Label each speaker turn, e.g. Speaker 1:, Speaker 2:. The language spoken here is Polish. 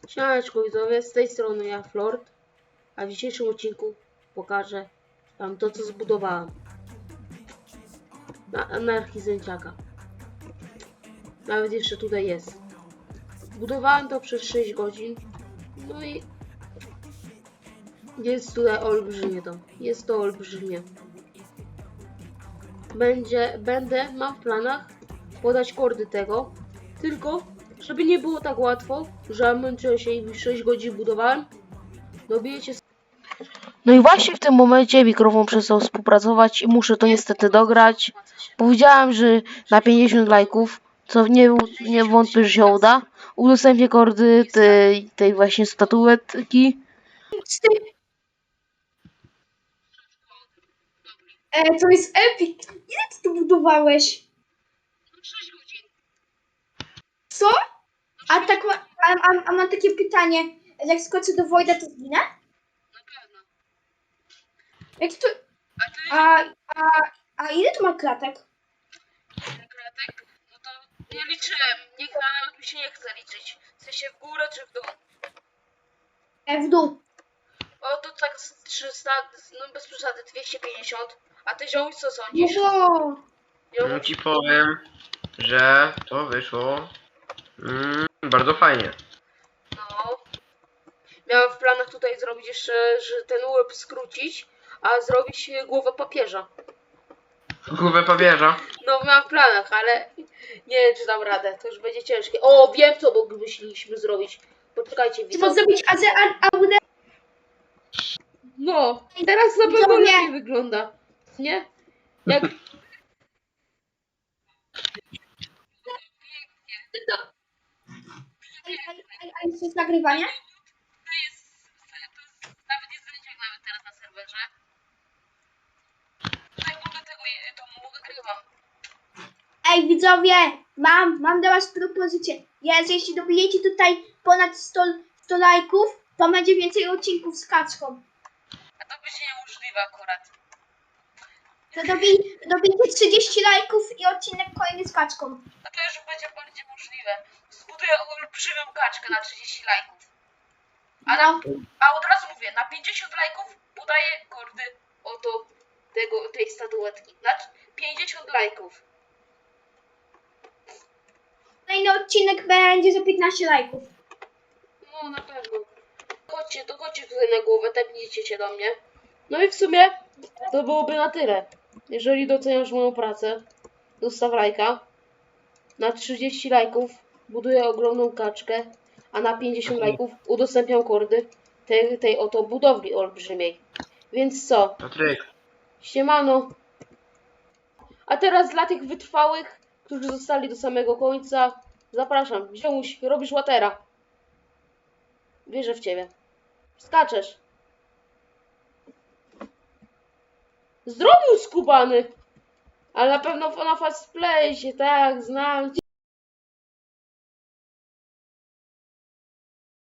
Speaker 1: Siemaneczko widzowie, z tej strony ja Flord, a w dzisiejszym odcinku pokażę wam to, co zbudowałem na anarchii Zęciaka. Nawet jeszcze tutaj jest. Budowałem to przez 6 godzin, no i jest tutaj olbrzymie to. Jest to olbrzymie. Mam w planach podać kordy tego, tylko żeby nie było tak łatwo, że męczyłem się i 6 godzin budowałem. Dobijecie. No i właśnie w tym momencie mikrofon przestał współpracować i muszę to niestety dograć. Powiedziałem, że na 50 lajków, co nie wątpię, że się uda, udostępnię kordy tej właśnie statuetki.
Speaker 2: To jest epic. Ile ty to budowałeś?
Speaker 1: 6 godzin.
Speaker 2: Co? A tak a mam takie pytanie. Jak skoczę do Wojda, to zginę?
Speaker 1: Na pewno.
Speaker 2: Jak to...
Speaker 1: A ty
Speaker 2: A, a, a ile to ma klatek?
Speaker 1: kratek? No to nie liczyłem. Nawet mi się nie chce liczyć. W sensie w górę czy w dół.
Speaker 2: W dół.
Speaker 1: O, to tak z 300, no bez przesady 250. A ty ziomuś co
Speaker 2: No
Speaker 1: sądzisz?
Speaker 2: bo...
Speaker 3: No ci powiem, że to wyszło bardzo fajnie.
Speaker 1: No. Miałem w planach tutaj zrobić jeszcze, że ten łeb skrócić, a zrobić głowę papieża.
Speaker 3: Głowę papieża.
Speaker 1: No miałem w planach, ale nie wiem czy dam radę, to już będzie ciężkie. O, wiem co moglibyśmy zrobić. Poczekajcie,
Speaker 2: Trzeba
Speaker 1: widzowie.
Speaker 2: zrobić AUD.
Speaker 1: No, teraz na pewno
Speaker 2: Widzowie.
Speaker 1: lepiej wygląda. Nie? Jak...
Speaker 2: A jest nagrywanie?
Speaker 1: Nawet jest zęciak nawet teraz na serwerze. Tutaj mogę to nagrywam.
Speaker 2: Ej widzowie, mam dla was propozycję. Jeśli dobijecie tutaj ponad 100 lajków, to będzie więcej odcinków z kaczką.
Speaker 1: A to będzie niemożliwe akurat.
Speaker 2: To dobijcie 30 lajków i odcinek kolejny z kaczką.
Speaker 1: A to już będzie bardziej możliwe. Zbuduję olbrzymią kaczkę na 30 lajków. A od razu mówię, na 50 lajków podaję kordy oto tej statuetki. Na 50 lajków.
Speaker 2: Kolejny odcinek będzie za 15 lajków.
Speaker 1: No na pewno. Chodźcie tutaj na głowę, tepnijcie się do mnie. No i w sumie to byłoby na tyle. Jeżeli doceniasz moją pracę, zostaw lajka. Na 30 lajków buduję ogromną kaczkę, a na 50 lajków udostępniam kordy tej oto budowli olbrzymiej. Więc co?
Speaker 3: Patryk,
Speaker 1: Siemano. A teraz dla tych wytrwałych, którzy zostali do samego końca, zapraszam. Ziomuś, robisz łatera. Wierzę w ciebie. Skaczesz. Zrobił skubany. Ale na pewno na fast play się, tak, znam cię.